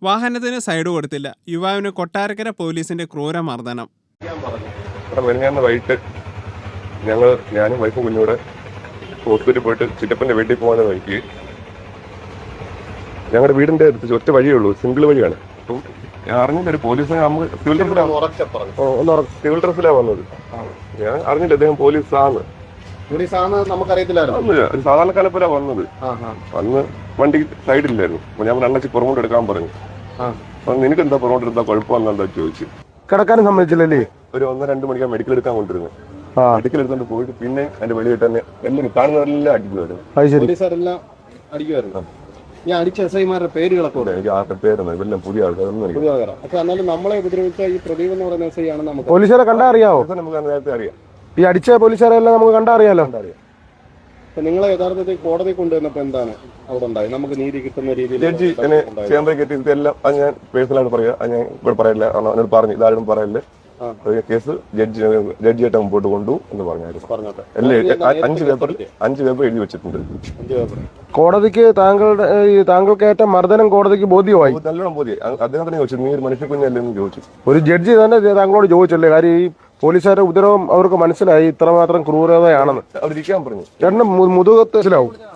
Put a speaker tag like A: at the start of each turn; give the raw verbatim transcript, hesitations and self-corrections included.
A: വാഹനത്തിന് സൈഡ് കൊടുത്തില്ല. യുവാവിന് കൊട്ടാരക്കര പോലീസിന്റെ ക്രൂരമർദ്ദനം.
B: വൈകിട്ട് ഞങ്ങൾ ഞാനും വൈഫും കുഞ്ഞൂടെ ഹോസ്പിറ്റലിൽ പോയിട്ട് ചിറ്റപ്പന്റെ വീട്ടിൽ പോകാൻ നോക്കി. ഞങ്ങളുടെ വീടിന്റെ അടുത്ത് ഒറ്റ വഴിയേ ഉള്ളൂ, സിംഗിൾ വഴിയാണ്. അപ്പം ഞാൻ അറിഞ്ഞില്ല ഒരു പോലീസിനെ നമുക്ക് സിവിൽ ഡ്രസ്സിലാണ് സിവിൽ ഡ്രസ്സിലാണ് വന്നത്. ഞാൻ അറിഞ്ഞില്ല അദ്ദേഹം പോലീസാണ്.
C: നമുക്കറിയത്തില്ലായിരുന്നു.
B: ഒരു സാധാരണക്കാരെ വന്നത്. വന്ന് വണ്ടി സൈഡില്ലായിരുന്നു. അപ്പൊ ഞാൻ അണ്ണച്ചി പുറകോട്ട് എടുക്കാൻ പറഞ്ഞു. അപ്പൊ നിനക്ക് എന്താ പുറകോട്ട് എടുത്താ കുഴപ്പമെന്നാ ചോദിച്ചു.
C: കിടക്കാനും സമ്മതിച്ചില്ലല്ലേ?
B: ഒരു ഒന്നര രണ്ട് മണിക്കാണ് മെഡിക്കൽ എടുക്കാൻ കൊണ്ടിരുന്നത്. മെഡിക്കൽ എടുത്തോണ്ട് പോയിട്ട് പിന്നെ അതിന്റെ വെളിയിൽ തന്നെ എല്ലാവരും കാണുന്നവരെല്ലാം അടിക്കുമായിരുന്നു.
C: അടിക്കുമായിരുന്നു. ഞാൻ അടിച്ച എസ് ഐമാരുടെ പേരുകളൊക്കെ
B: എനിക്ക് ആരുടെ പേരൊന്നും ഇവരെല്ലാം പുതിയ ആൾക്കാരൊന്നും
C: പക്ഷെ എന്നാലും നമ്മളെ ഉപദ്രവിച്ച ഈ പ്രദീപ് എന്ന് പറയുന്ന എസ് ഐ ആണ്. നമുക്ക്
D: പോലീസുകാരെ കണ്ടാ അറിയാവോ?
B: നമുക്ക് നേരത്തെ അറിയാം.
D: ഈ അടിച്ച പോലീസുകാരെ എല്ലാം നമുക്ക് കണ്ടാ അറിയാലോ.
C: നിങ്ങളെ യഥാർത്ഥത്തിൽ കോടതി കൊണ്ടുവന്നപ്പോ എന്താണ് അവിടെ ഉണ്ടായി? നമുക്ക് നീതി കിട്ടുന്ന രീതിയിൽ
B: ജഡ്ജി എന്നെ ചേമ്പറ കെട്ടി എല്ലാം അത് ഞാൻ പേഴ്സണലായിട്ട് പറയാം. അത് ഞാൻ ഇവിടെ പറയില്ല, എന്നോട് പറഞ്ഞു ഇതാരും പറയല്ലേ. കേസ് ജഡ്ജി ജഡ്ജിയായിട്ട് മുമ്പോട്ട് കൊണ്ടു എന്ന് പറഞ്ഞായിരുന്നു. അഞ്ച് പേപ്പർ അഞ്ച് പേപ്പർ എഴുതി വെച്ചിട്ടുണ്ട്.
D: കോടതിക്ക് താങ്കളുടെ താങ്കൾക്ക് ഏറ്റ മർദ്ദനം കോടതിക്ക് ബോധ്യമായി?
B: നല്ലോണം ബോധ്യം. അദ്ദേഹം തന്നെ ചോദിച്ചു, നീ ഒരു മനുഷ്യ കുഞ്ഞല്ലേ എന്ന് ചോദിച്ചു.
D: ഒരു ജഡ്ജി തന്നെ താങ്കളോട് ചോദിച്ചല്ലേ? കാര്യം ഈ പോലീസുകാരുടെ ഉപദ്രവം അവർക്ക് മനസ്സിലായി ഇത്രമാത്രം ക്രൂരതയാണെന്ന്.
B: അവരിക്കാൻ പറഞ്ഞു.
D: ചേട്ടന് മുതുകത്ത് മനസ്സിലാവും.